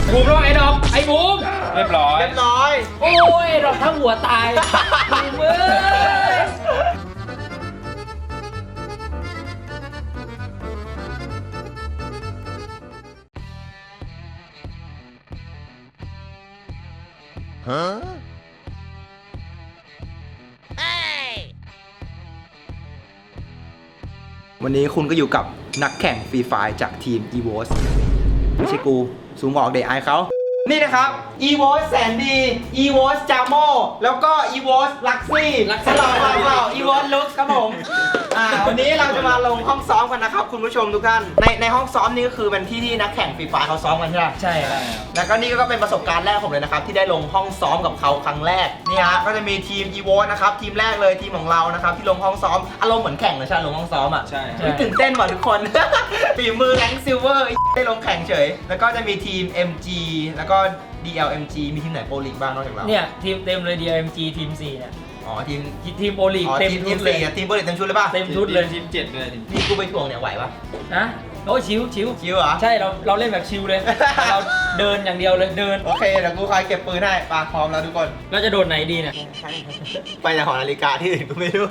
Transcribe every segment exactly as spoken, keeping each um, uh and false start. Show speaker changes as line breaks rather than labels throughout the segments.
บูมร้องไอ้ดอกไอ้บูมเรียบร้อย
เรียบร้อย
โอ้ยดอกทั้งหัวตายบูมเอ้ย
วันนี้คุณก็อยู่กับนักแข่งฟรีไฟจากทีม อี โว เอส ไม่ใช่กูซูมออกเดทไอเขา นี่นะครับ อี โว เอส แสนดี อี โว เอส จาโมแล้วก็ อี โว เอส ลักซี่สลับเปล่า อี โว เอส ลุคครับผมอ่าวันนี้เราจะมาลงห้องซ้อมกันนะครับคุณผู้ชมทุกท่าน ในในห้องซ้อมนี้ก็คือเป็นที่ที่นักแข่งฟรีไฟเขาซ้อมกันใช่ไหม
ใช่ครับ
แล้วก็นี่ก็เป็นประสบการณ์แรกผมเลยนะครับที่ได้ลงห้องซ้อมกับเขาครั้งแรกนี่ฮะก็จะมีทีม อี โว เอส นะครับทีมแรกเลยทีมของเรานะครับที่ลงห้องซ้อมอารมณ์เหมือนแข่งเลยใช่ลงห้องซ้อมอ่ะ
ใช่
เฮ้ยตื่นเต้นว่ะทุกคน ฝีมือแรงซิลเวอร์ได้ลงแข่งเฉยแล้วก็จะมีทีม เอ็ม จี แล้วก็ ดี แอล เอ็ม จี มีทีมไหนโปรลีกบ้างนอกจากเรา
เนี่ยทีมเต็มเลย ดี เอ็ม จี ทีมสี่เนี่ย
อ๋อทีม
ทีมโอลีก
อ๋อ
เต็ม
ทีม
ชุ
ที
ด
ม
เลย
สี่อะทีมโปรลีกเต็มชุดเลยป่ะ
เต็มชุดเลย
ทีมเจ็ดเลยทีม
นี่กูไปถ่วงเนี่ยไหวปะ
นะโอ้ยชิวชิว
ชิวเหรอ
ใช่เราเราเล่นแบบชิวเลย เราเดินอย่างเดียวเลยเดิน
โอเคเดี๋ยวกูคอยเก็บปืนให้ปาพร้อมแล้วทุกคน
เราจะโดดไหนดีเนี่ย
ไปในหอนาฬิกาที่อื่นกูไม่รู้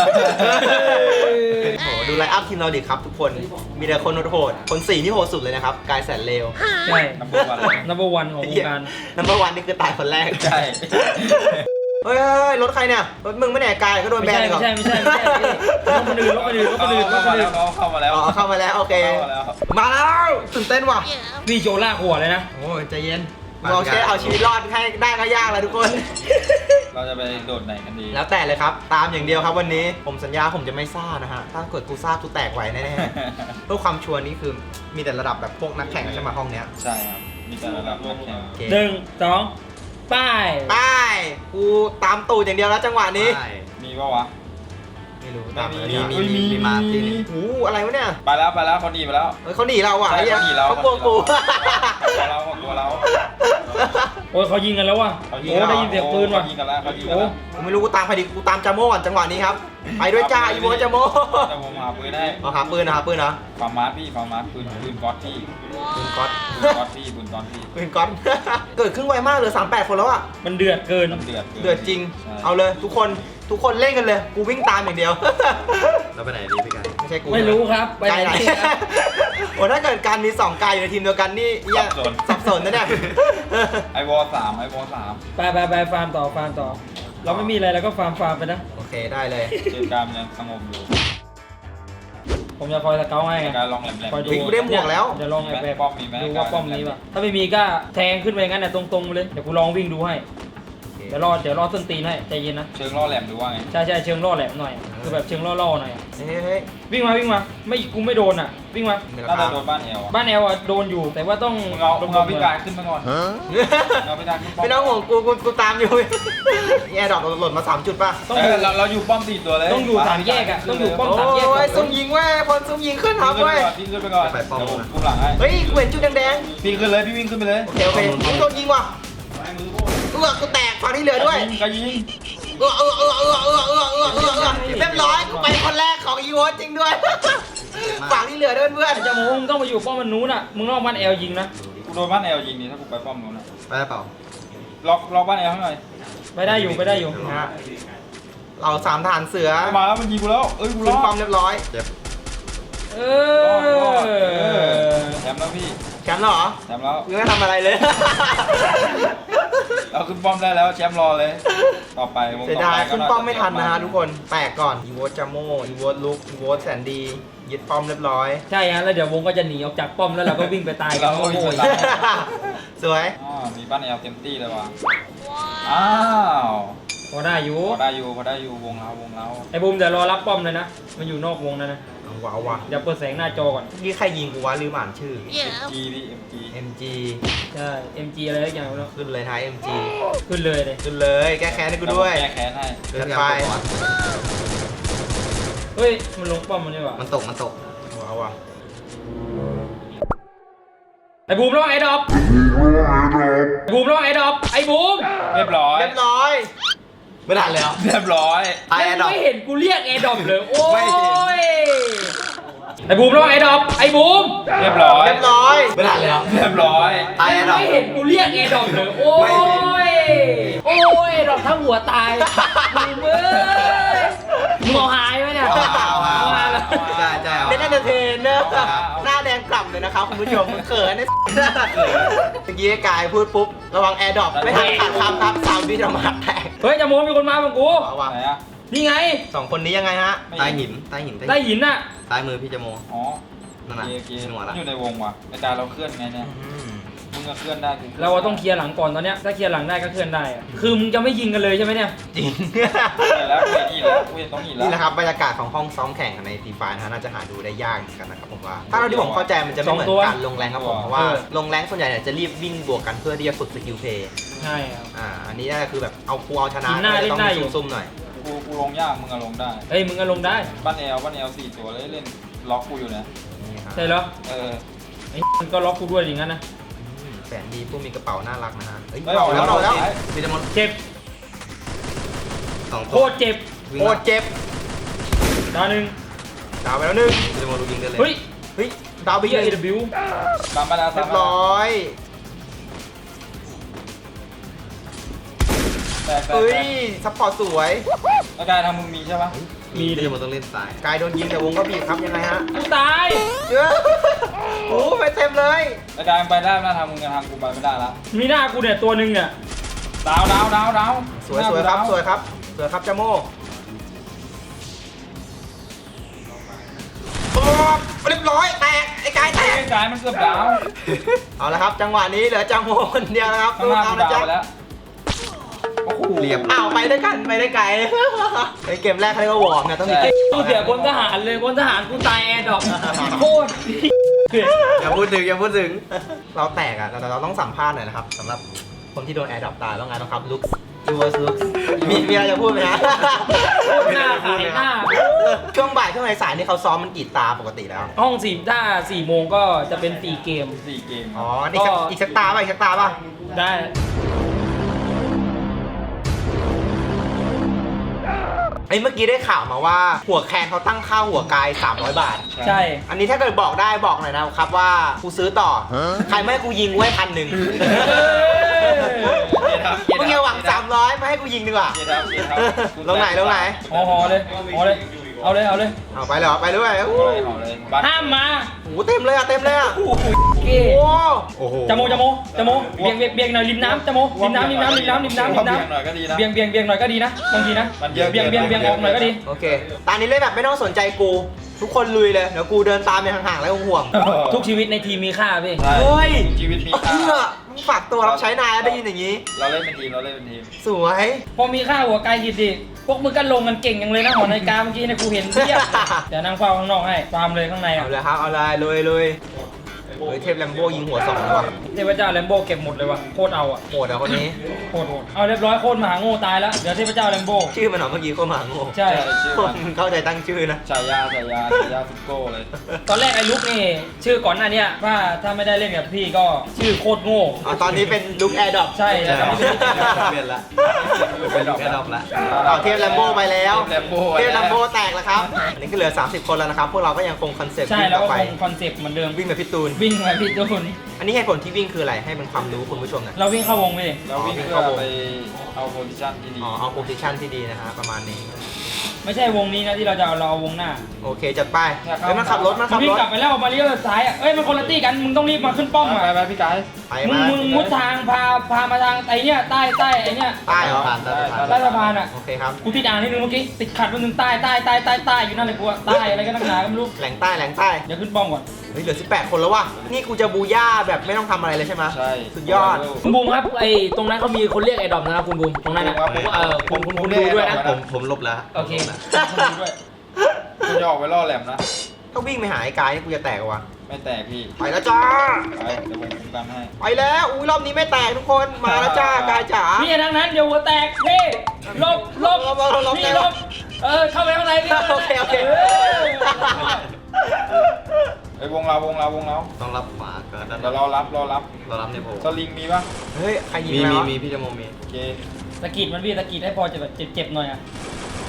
โอ้โหดูไลน์อัพทีมเราดิครับทุกคน มีแต่คนโหดๆคนสี่ที่โหดสุดเลยนะครับ กายแสนเลว
ใช่
นัมเบอร์วัน
number one ของวงการ
นัมเบอร์วันนี่คือตายคนแรก
ใช่
เฮ้ยเฮ้ยรถใครเนี่ย รถมึงไม่แน่กายก็โดน
ไม่
แบน
ใช่
อีกเหร
ไม่
อ
ใช่ไม่ใช่ไม่ใช่รถคนอื่นรถคนอื่นรถคนอื่นรถคนอื่น
เข้ามาแล้ว
อ๋อเข้ามาแล้วโอเค
เข้ามาแล้ว
มาแล้วตื่นเต้นว่ะ
นี่โจลากหัวเลยนะ
โอ้ยใจเย็นเราแค่เอาชีวิตรอดให้ได้ก็ยากแล้วทุกคน
เราจะไปโดดไหนกันดี
แล้วแต่เลยครับ ตามอย่างเดียวครับวันนี้ผมสัญญาผมจะไม่ซ่านะฮะ ถ้าเกิดกูซ่ากูแตกไหวแน่ๆ เพื่อความชัวร์นี่คือมีแต่ระดับแบบพวกนักแข่งใช่ไหมห้องเนี้ย
ใช่ครับมีแต่ระดับนักแข่ง
โอเค
หนึ่งสองป้าย
ไปกูตามตูดอย่างเดียวแล้วจังหวะนี้
มีปะวะ
ไม่รู้ตาม
ไม่
เลย
มี
มี
มีมี
มีมา
มี
ทีนี้โอ้โหอะไรวะเนี่ย
ไปแล้วไปแล้วเขาหนีไปแล้ว
เฮ้ยเขาหนีเราอ่ะ
ใช่
ไอ้เหี้ย
เขาหนีเรา
เขากลัวกู
ตัวเราตัวเรา
โอ้ยเขายิงกันแล้วว่ะ
เขา
โอ้ได้ยินเสียงปืนว่ะ
เขายิงกันแล้วเขายิงกัน
โอ้
แล้ว
กูไม่รู้กูตามใครดีกูตามจาโม่ก่อนจังหวะนี้ครับ ไปด้วยจ้าอีโมจาโม่
จะวงหาปืนได้
เอาหาปืนนะหาปืนนะ
ฟาร์มาร์พี่ฟาร์มาร์ปืนปืนก๊อตพี่
ปืนก๊อต
ปืนก๊อตพี่ปืนก๊อตพี่
ปืนก๊อต เกิดขึ้นไวมากเลยสามแปดคนแล้วอ่ะ
มันเดือดเกิน
น้ำเดือด
เดือดจริง
ใช่
เอาเลยทุกคนทุกคนเล่นกันเลย กูวิ่งตามอย่างเดียว
เราไปไหนดีพี่ไก่
ไม่ใช่กู
ไม่รู้ครับไป
ไกล
ไหน
ไหน
ดีครับ
โอ้ถ้าเกิดการมีสองกายอยู่ในทีมเดียวกันนี่เหี้ยสับสนนะเนี่ย
ไอวอลสามไอวอลสาม
ไปไปไปฟาร์มต่อฟาร์มต่อ เราไม่มีอะไรเราก็ฟาร์มฟาร์มไปนะ
โอเคได้เลย
เจอการยังสงบอยู่
ผมจะคอยสเกลให้ไง
การลองแหลมแหลม
คอยดู
กูได้หมวกแล้ว
เดี๋ยวลองไอ้แบบ
ป้อมมีไหม
ดูว่าป้อมนี้ป่ะถ้าไม่มีก็แทงขึ้นไปงั้นน่ะตรงๆเลยเดี๋ยวกูลองวิ่งดูให้เดี๋ยวรอเดี๋ยวรอต้นตีนให้ใจเย็นนะ
เชิงล่อแหลมดูว่าไง
ใช่ใช่เชิงล่อแหลมหน่อยคือแบบเชิงล่อๆหน่อย
เฮ้ยเฮ้ย
วิ่งมาวิ่งมาไม่กูไม่โดนอ่ะวิ่งมา
มีรา
น่า
คา
จะโดนบ้านเอวอ่ะ
บ้านแอลอ่ะโดนอยู่แต่ว่าต้อง
มึงเอามึงเอาพิการขึ้นมาก่อนเอาพิการขึ้นป้อม
ไม่ต้องห่วงกูกูกูตามอยู่ นี่แอร์ดรอปหล่นมาสามจุดป่ะ
ต้อง
เอ
อยู่
อเราเราอยู่ป้อมสี่ตัวเลย
ต้องอยู่สามแยกอะต้องอยู่ป้อม
โอ้ยซุ่มยิงเว้ยพลซุ่มยิงขึ้นครับ
พี่ขึ้น
เว้
ไป
ย
ก่อนพี่ขึ้นไปก่อนเดี๋ยวผมคุมหลังให้
เฮ้ยกูเห็นจุดแดง
พี่ขึ้นเลยพี่วิ่งขึ้นไปเลย
ๆโอเคโอเคยิงโดนยิงว่ะเออกูแตกฝั่งที่เหลือด้วย
ก็ยิง
เออเออเออเออเออเออเออเออเออเรียบร้อยกูไปคนแรกของอีโวจริงด้วย ฝั่งที่เหลือด้วยเพื่อน
จะโม้มึงต้องไปอยู่ป้อมมันนู้นอ่ะมึงนอกบ้านแอลยิงนะ
กูโดนบ้านเอลยิงนี่ถ้ากูไปป้อมนู้นนะ
ไปได้เปล่า
ล็อกล็อกบ้านเอลให้หน่อย
ไปได้อยู่ไปได้อยู่
นะฮะเราสามทหารเสือ
มาแล้วมันยิงกูแล้วเอ้ยกูร
ขึ้น
อด
ป้อมเรียบร้อย
เจ็บ
เอ
รอดรอด
อ
เออแชมป์แล้วพี่
แชมป์แล้วเหรอ
แชมป์แล้ว
กูไม่ทำอะไรเลย
เราขึ้นป้อมได้แล้วแชมป์รอเลย ต่อไปวง
เสีย
ต่อ
ดาย
ไปก็
ขึ้นป้อมไม่ทันนะฮะทุกคนแตกก่อนอีโวจาโมอีโวลุกอีโวแสนดียึดป้อมเรียบร้อย
ใช่ฮะแล้วเดี๋ยววงก็จะหนีออกจากป้อมแล้วเราก็วิ่งไปตายกันโง่ๆ
สวย
อ๋อมีบ้านเอลเต็มที่เลยว่ะอ้าว
พอได้อยู่
พอได้อยู่พอได้อยู่วงเราวงเรา
ไอ้บูมเดี๋ยวรอรับป้อมเลยนะมันอยู่นอกวงนะนะ
เอาว้าวว่ะ
เดี๋ยวเปิดแสงหน้าจอก่อน
นี่ใครยิงกูวะลืมอ่านชื่อ
เอ็มจีพี่เอ็มจี
เอ็ม จี
ใช่ เอ็ม จี อะไรสักอย่างแล้ว
ขึ้นเลยท้าย เอ็ม จี
ขึ้นเลยเลย
ขึ้นเลยแก้แค้นให้กูด้วย
แก้แค้นให้
เกินไป
เฮ้ยมันลงป้อมมันดีกว่า
มันตกมันตก
ว้าวว่ะ
ไอ้บูมร้องไอ้ดอกไอ้บูมร้องไอ้ดอกไอ้บูม
เรียบร้อย
เรียบร้อยไม่ทันแล้ว
เรียบร้อย
ตายแอร์ดรอป
ไม่เห็นกูเรียกไอ้ดอกเลยโอ้
ไม่เห็
ยไอ้บูมระวังไอ้ดอกไอ้บูม
เรียบร้อย
เรียบร้อยไม่ทันแล้ว
เรียบร้อย
ตายแล้ว
ไม่เห็นกูเรียกไอ้ดอกเลยโอ้ยโอ้ยดอกทั้งหัวตายบูมเอ้ยมึงเอาหายไหมเนี่ย
เอาเอาเอา
หายแล้ว
ใช่ใช่เล่นเอนเตอร์เทนเนอร์หน้าแดงกล่ำเลยนะครับคุณผู้ชมเขินเนี่ยเมื่อกี้กายพูดปุ๊บระวังแอร์ดรอปไม่ทันขาดคำครับสามวิจะมาแตก
เฮ้ยจะโมมีคนมาบังกู
เอาว่ะ
ไหนอะ
นี่ไง
สองคนนี้ยังไงฮะ
ใต้หินใต้หิน
ได้หินน่ะ
ใต้มือพี่จโม
อ๋อ
นั่นน่ะ
โอเค
หนวดละ
อยู่ในวงว่ะไอ้ตาเราเคลื่อนไงเนี่ยมึงก็เคลื่อนได้กู
เราต้องเคลียร์หลังก่อนตอนเนี้ยถ้าเคลียร์หลังได้ก็เคลื่อนได้อะคือมึงจะไม่ยิงกันเลยใช่ไหมเนี่ย
จริง
เห็นแล้วกูเห็นอีกแล้วกูเห็นตรงอีกแล้ว
นี่แหละครับบรรยากาศของห้องซ้อมแข่งในทีไฟนะฮะน่าจะหาดูได้ยากเหมือนกันนะครับผมว่า ถ้าเราที่ผมเข้าใจมันจะไม่เหมือนการลงแรงครับผมเพราะว่าลงแรงส่วนใหญ่เนี่ยจะรีบวิ่งบวกกันเพื่อที่จะฝึกสกิลเพย์
ใช่ครับ
อ่าอันนี้น่าจะคือแบบเอาคูเอาชนะ
หินหน้า
ก็เลยต้อง
เล่นได้อยู่
ซุ่มๆหน่อย
กูกูลงยากมึงอะลงได้
เฮ้ยมึงก็ลงได้
บ้านแอลบ้านแอลสี่ตัวเลยเล่นล็อกกูอยู่เนี่ย
นี่ครับ
ใช่เหรอ
เออ
ไอ้มึงก็ล็อกกูด้วยอย่างนั้นนะ
อืมแสนดีผู้มีกระเป๋าน่ารักนะฮะเอ้ย
ไม่ออกแล้ว
ออกแล้ว
พี่จโม
เจ็บ
สอง
โค
ตัว
ตรเจ็บ
โคตรเจ็บ
ดาวหนึ่ง
ดาวไปแล้วหนึ่ง
พี่จโมดูยิงได้เลย
เฮ้ย
เฮ้ยดาวไป
เบี
อี
ย
ก
เอ
หนึ่ง
วิว
ตามมาแล้ว
เรียบร้อย
แตกแตก
เฮ้
แต
ย
ก
ซัพพอร์ตสวย
แล้วกายทำมึงมีใช่ปะ
มีพี่จโมต้องเล่นซ้าย
กายโดนยิงแต่วงก็บีบครับยังไงฮะ
กูตาย
เยอะโอ้ไปเต็มเลย
แล้วกายไปได้หน้าทางมึงกับทางกูไปไม่ได้ละ
มีหน้ากูเนี่ยตัวหนึ่งเนี่ย
ดาวดาวดาวดาว
สวยสวยครับสวยครับสวยครับจาโม่โอ้เรียบร้อยแตกไอ้กายแต
ไอ้
ก
กายมันเกือบดาว
เอาละครับจังหวะนี้เหลือจาโม่คนเดียวนะครับ
ข้างหน้า
เอา
กู
นะ
ดาว
จ๊ะ
ไปแล้วโอ้โห
เรียบ
อ้าวไปด้วยกันไปได้ไกลไอ้เกมแรกเขาเรียกว่าวอร์มนะต้องมีเกม
กูเสียคนทหารเลยคนทหารกูตายแอร์ดรอปโคตร
อย่าพูดถึงอย่าพูดถึง
เราแตกอ่ะแต่เราต้องสัมภาษณ์หน่อยนะครับสำหรับคนที่โดนแอร์ดรอปตายแล้วไงต้องครับลุคยูเวอร์สลุคมีมีอะไรจะพูดไหมฮะ
หน้าขายหน้า
ช่วงบ่ายช่วงสายๆนี่เขาซ้อมมันกี่ตาปกติแล้ว
ห้องสี่ถ้าสี่โมงก็จะเป็นสี่เกม
สี่เกม
อ๋อนี่สักอีกสักตาป่ะอีกสักตาป่ะ
ได้
ไอ้เมื่อกี้ได้ข่าวมาว่าหัวแคนเขาตั้งค่าหัวกายสามร้อยบาท
ใช่
อันนี้ถ้าเกิดบอกได้บอกหน่อยนะครับว่ากูซื้อต่อ ใครไม่ให้กูยิงกูให้พันหนึ่งมึงอย่าหวังสามร้อยมาให้กูยิงดีกว่า
เกียร์ทับเกียร์ทับ
ลงไหนลงไหน
ห่อห่อเลยห่อเลย เอาเลยเอาเลย
เอาไปเลยเหรอไปด้วย
เอา
โอ้
เลยเอาเลยบัตร
ห้ามมา
โหเต็มเลยอ่ะเต็มเลยอ่ะ
เก้
โอ้โอ้โห
จโมจโมจโมเบียงเบียงเบียงหน่อยริมน้ำจโมริมน้ำริมน้ำริมน้ำริมน้ำริมน้
เบียงหน่อยก็ดีนะ
ำเบียงเบียงเบียงหน่อยก็ดีนะบางทีนะ
มันเยอะ
เบียงเบียงเบียงออกหน่อยก็ดี
โอเคตอนนี้เล่นแบบไม่ต้องสนใจกู ทุกคนลุยเลยเดี๋ยวกูเดินตามไปห่างๆแล้วห่วง
ทุกชีวิตในทีมมีค่าพี่
ใช่
เฮ้ย
ชีวิตมีค่า
เพื่อมึงฝากตัวรับใช้นายแล้วได้ยินอย่างนี้
เราเล่นเป็นทีมเราเล่นเป็นทีม
สวย
พอมีค่าหัวกายหิดดิพวกมึงก็ลงกันเก่งอย่างเลยนะหอนาฬิกาเมื่อกี้เนี่ยกูเห็นเทียบเดี๋ยวนั่งเฝ้าข้างนอกให้ตามเลยข้างใน
เอา
อ่ะ
เลยครับเอาเลยลุยลุยเฮ้ยเทพแลมโบยิงหัวสองว่ะ
เทพเจ้าแลมโบเก็บหมดเลยว่ะโคตรเอาอ่ะ
โหดอ่ะคนนี้
โคตรโหดเอาเรียบร้อยโคตรมหาโง่ตายแล้วเดี๋ยวเทพเจ้าแลมโบ
ชื่อมันเหรอเมื่อกี้โคตรมหาโง่
ใช่
ชื่อ
ค
มัน
นเข้าใจตั้งชื่อนะ
ฉายาฉายาฉายาซุปโก้เลย
ตอนแรกไอ้ลุกนี่ชื่อก่อนหน้าเนี้ยว่าถ้าไม่ได้เล่นกับพี่ก็ชื่อโคตรโง่
อ๋อตอนนี้เป็นลุคแอร์ดรอป
ใช่
ใช่
แล้วก็ไม่ได้เล่นกับ
เปลี่ยนละเป็นแค่ดอกละ
เอาเทพแลมโบไปแล้ว
เทพแลมโบ
เทพแลมโบแตกแล้วครับอันนี้ก็เหลือสามสิบคนแล้วนะครับพวกเราก็ยังคงคอนเซ็ปต์
ใช่
วิ่ง
แล้ว
ต่อ
ก็
ไป
คงคอนเซ็ปต์เหมือนเดิม
วิ่งแบบพี่ตูน
วิ่งไปพี่จูน
อันนี้เหตุผลที่วิ่งคืออะไรให้เป็นความรู้คุณผู้ชมหนะ
เราวิ่งเข้าวงไปดิ
เราวิ่งเพื่อไปเอาโพซิชั่นที่ดี
อ๋อเอาโพซิชันที่ดีนะฮะประมาณนี้
ไม่ใช่วงนี้นะที่เราจะเอาเราเอาวงหน้า
โอเคจัดไปเฮ้ยมันขับรถมัน
มั
ขั
น
บ
วิ่
รง ถ
กลับไปแล้วมาเลี้ยวซ้ายอ่ะเอ้ยมันคนละตี้กันมึงต้องรีบมาขึ้นป้อม
ไป
อ่ะ
ไปพี่กาย
ไป
มึง
มา
มึงมุดทางพาพามาทางไอ้เนี้ยใต้ใต้ไอ้เนี้ย
ใต้เหรอ
ผ่านได้ผ่าน
ใต้สะพานอ่ะ
โอเคครับ
กูติดอ่างนิดนึงเมื่อกี้ติดขัดนิดนึงใต้ใต้ใต้ใต้ใต้อยู่นั่นเลยกูอะใต้อะไรก็นักหนาก็ไม่รู้
แหล่งใต้แหล่งใต้
เดี๋ยวขึ้นป้อมก่อน
เฮ้ยเหลือสิบแปดคนแล้วว่ะนี่กูจะบูย่าแบบไม่ต้องทำอะไรเลยใช่ไหม
ใช่
สุดยอด
คุณบูมครับไอ้ตรงนั้นเขามีคนเรียกไอ้ดอมนะครับคุณบูมตรงนั้นนะเออคุณคุณคุณดูด้วยนะ
ผมผมลบแล้ว
โอเค
ด้วยคุณจะออกไปล่อแหลมนะ
ถ้าวิ่งไปหาไอ้กายนี่กูจะแตกว่ะ
ไม่แตกพี่
ไปแล้วจ้า
ไปเดี๋ยวผมคุ้มกันให้
ไปแล้วอุ้ยรอบนี้ไม่แตกทุกคนมาแล้วจ้ากายจ๋า
นี่ทางนั้นเดี๋ยวหัวแตกพี่ลบลบ
ลบลบลบลบ
นี่ลบเออเข้าไปข้างในพี่
โอเคโอเค
ไอ้ยวงเราวงเราวงเรา
ต้องรับขวาก็ด้าน
เดี๋ยวเรารับรอรับ
เรารับในโพ
สลิงมีปะ
เฮ้ยใครยิง
มี
แล้ว
มี
วะ
มีพี่จโมมี
โอเค
สะกิดมันพี่สะกิดให้พอจะแบบเจ็บๆหน่อยอ่ะ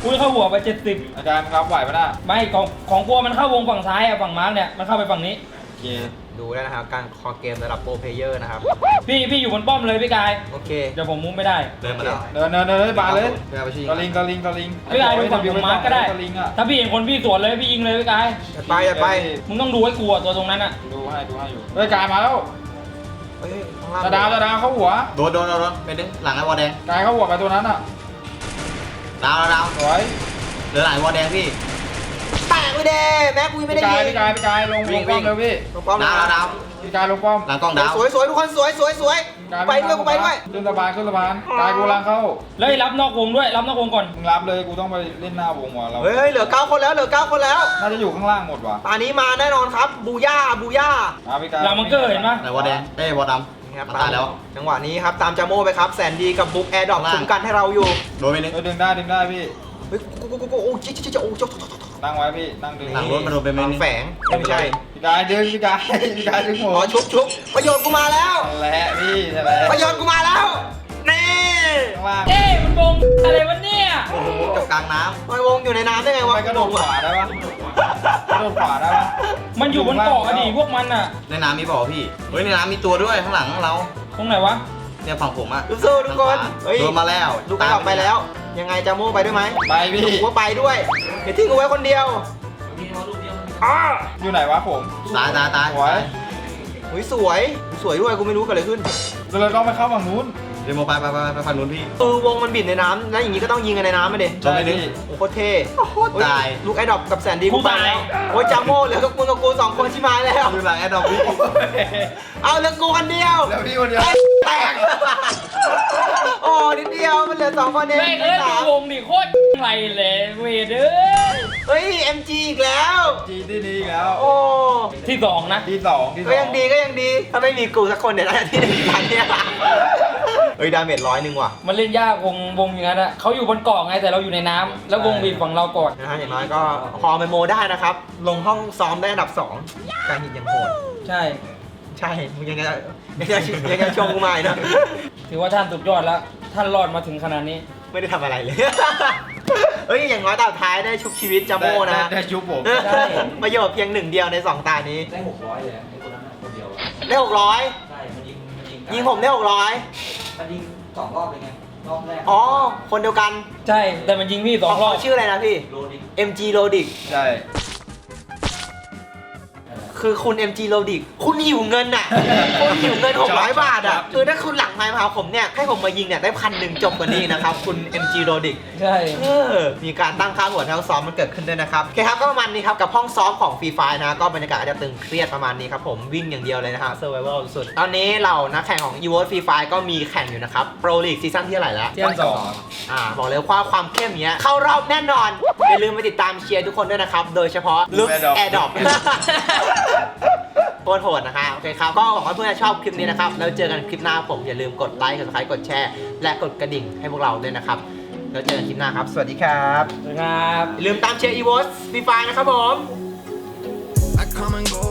อุ้ยเข้าหัวไปเจ็ดสิบ
อาจารย์รับไหวปะน่ะ
ไม่ของของกลัวมันเข้าวงฝั่งซ้ายอะฝั่งมาร์กเนี่ยมันเข้าไปฝั่งนี้
โอเค
ดูได้นะครับการคอเกมระดับโปรเพลเยอร์นะครับ
พี่พี่อยู่บนป้อมเลยพี่กาย
โอเค
เดี๋ยวผมมุ้งไม่ได้
เดินมาแล้ว
เดินเดินเดินเลยบาเลย
เดินไปชิง
กระลิงกระลิงกระลิง
พี่กายดูฝั่งของมาร์กก็ได้
กระลิงอ่ะ
ถ้าพี่เห็นคนพี่สวนเลยพี่ยิงเลยพี่กาย
อย่าไปอย่าไป
มึงต้องดูให้กลัวตัวตรงนั้นอะ
ดูให้ดูให้อยู่เฮ้ยกายมาแล้ว
เฮ้ยข้างล่าง
จะดาวจะดาวเข้าหัว
โดนโดนโดนโดนไปดึงหลังไอ้วอลแดง
กายเข้าหัวไปตัวนั้นอ่ะ
ดาวดาวดาว
สวย
เหลือหลังไอ้วอลแดงพี่
แตกไปเด้แม็กกูยังไม่ได้
พี่กาย
ยิง
พี่กายพี่กายลงลงป้อมเร็วพี่
ลงป้อม
ดาวดาวดาว
พี่กายลงป้อม
หลังกล้องดาว
สวยสวยทุกคนสวยสวยสวย
กาย
ไปด้วยกูไปด้วย
ขึ้นสะพานขึ้นสะพานกายกูลังเข้า
แล้วรับนอกวงด้วยรับนอกวงก่อน
มึงรับเลยกูต้องไปเล่นหน้าวงว่ะเรา
เฮ้ยเหลือเก้าคนแล้วเหลือเก้าคนแล้ว
น่าจะอยู่ข้างล่างหมดว่ะ
ตอนนี้มาแน่นอนครับบูย่าบูย่า
มาพี่กาย
หลังมังเกอร์เห็นปะ
ไหนวอลแดงเอ้ยวอลด
นี่ครับ
ำตายแล้ว
จังหวะนี้ครับตามจาโม่ไปครับแสนดีกับบุ๊กแอร์ดรอปคุ้มกันให้เราอยู่
โดนไปนึง
เออดึงได้ดึงได้พี่
เฮ้ยกูกูกูกูโอ้จิ๊จิ๊จิ๊โอ้จ๊กจ๊กจ๊ก
ตั้งไว้พี่ตั้งดึง
หลังรถมาโดนไปไหม
วาง
นี่
แฝงไม่ใช่
พี่กายดึงพี่กายพี่กายดึงหั
อ๋
ว
อชุบชุบประโยชน์กูมาแล้ว
นั่นแหละพี่นั่นแหละ
ประโยชน์กูมาแล้วนี่
ข้างล่าง
เอ้ยมันวงอะไรวะเนี่ย
โอ้โหจบกลางน้
มันวงอยู่ในน้ำได้ไง
ทำ
วะ
ไมกระโดดขวาได้ปะกระโดดขวาได้ปะ
มันอยู่บนเกาะอะดิพวกมันอะ
ำในน้ำมีบ่อพี่เฮ้ยในน้ำมีตัวด้วยข้างหลังเรา
ตรงไหนวะ
เนี่ยฝั่งผมอะ
สู้ๆทุกคนเฮ้ย
โดนมาแล้ว
ลูกกระดอกไปแล้ว ยังไงจาโม่ไปด้วยไหม
ไปพี่
กูก็ไปด้วยอย่าทิ้งกูไว้คนเดียวอ้า
อยู่ไหนวะผม
ตายตายตาย
สวย
อุ้ยสวยสวยด้วยกูไม่รู้เกิดอะไรขึ้น
เราเลยต้องไปเข้าฝั่งนู้น
เดี๋ยวโมไปไปไปไปฝั่งนู้นพี่
เออวงมันบิดในน้ำแล้วอย่างนี้ก็ต้องยิงกันในน้ำมาเด็
จบไปนึง
โอ้โคตรเท่
โคตรตาย
ลูกไอ้ดอกกับแสนดีกูไปแล้วโอ้ยจาโม่เหลือกับมึงกับกูสองคนชิมายแล้ว
อยู่หลังแอดดอปพี่
เอาเหลือกูคนเดียว
แล้วพี่คนเดียว
แตกโอ้นิดเดียวมันเหลือสองคนเอง
แม่งเอ้ย
สา
ดู
ม
วงดิโคตรไรเลยเวเด้อ
เฮ้ย เอ็ม จี อีกแล้ว
จีที่นี่อีกแล้ว
โอ้
ที่สองนะ
ที่สองที่สอง
ก็ยังดีก็ยังดีถ้าไม่มีกูสักคนเนี่ยน่าจะที่หนึ่งพันเนี่ยเฮ้ยดาเมจร้อยหนึ่งว่ะ
มันเล่นยากวงวงอย่างนั้นอะเขาอยู่บนเกาะไงแต่เราอยู่ในน้ำแล้ววงบีบฝั่งเราก่อน
นะฮะอย่างน้อยก็พอไปโมได้นะครับ ลงห้องซ้อมได้อันดับสองการหินยังโหด
ใช่
ใช่มึงยังจะยังจะยังจะชมกูใหม่นะ
ถือว่าท่านสุดยอดแล้ว ท่านรอดมาถึงขนาดนี้
ไม่ได้ทำอะไรเลย เฮ้ย อย่างน้อยตอนท้ายได้ชุบชีวิตจาโม่นะ
ได้ได้ชุบผม
ใช่
ประโยชน์เพียงหนึ่งเดียวในสองตานี้
ได้หกร้อยเลยไอ้คนนั้นคนเดียว
ได้หกร้อย
ใช่มันยิงมันยิง
ยิงผมได้หกร้อย
มันยิงสองรอบเลยไงรอบแรก
อ๋อ คนเดียวกัน
ใช่แต่มันยิงพี่สองรอบ
เขาชื่ออะไรนะพี่
โลดิ
เอ็ม จี Lodic
ใช่
คือคุณ เอ็ม จี Lodic คุณหิวเงินอ่ะ คุณหิวเงินหกร้อยบาทอ่ะ คือถ้าคุณหลังไมค์มาหาผมเนี่ย ให้ผมมายิงเนี่ยได้พันหนึ่งจบกว่านี้นะครับ คุณ เอ็ม จี Lodic
ใช่
เออมีการตั้งค่าหัวแถวซ้อมมันเกิดขึ้นด้วยนะครับโอเคครับก็ประมาณนี้ครับกับห้องซ้อมของฟรีไฟนะก็บรรยากาศอาจจะตึงเครียดประมาณนี้ครับผมวิ่งอย่างเดียวเลยนะฮะ survival สุดตอนนี้เหล่านักแข่งของ e v o s Free Fire ก็มีแข่งอยู่นะครับ Pro League ซีซั่นที่เท่าไหร่แล้ว
เที่ยงสอง
อ่าบอกเลยว่าความเข้มเนี้ยเข้ารอบแน่นอน อย่าลืมไปติดตามเชียร์ทุกคนด้วยนะครับ โดยเฉพาะ Look Air Drop โคตรโหดนะคะโอเคครับก็หวังว่าเพื่อนจะชอบคลิปนี้นะครับแล้วเจอกันคลิปหน้าผมอย่าลืมกดไลค์กดไลค์กดแชร์และกดกระดิ่งให้พวกเราด้วยนะครับแล้วเจอกันคลิปหน้าครับสวัสดีครับ
ครับ
อย่าลืมตามเชียร์ e v o s Free Fire นะครับผม
I come and go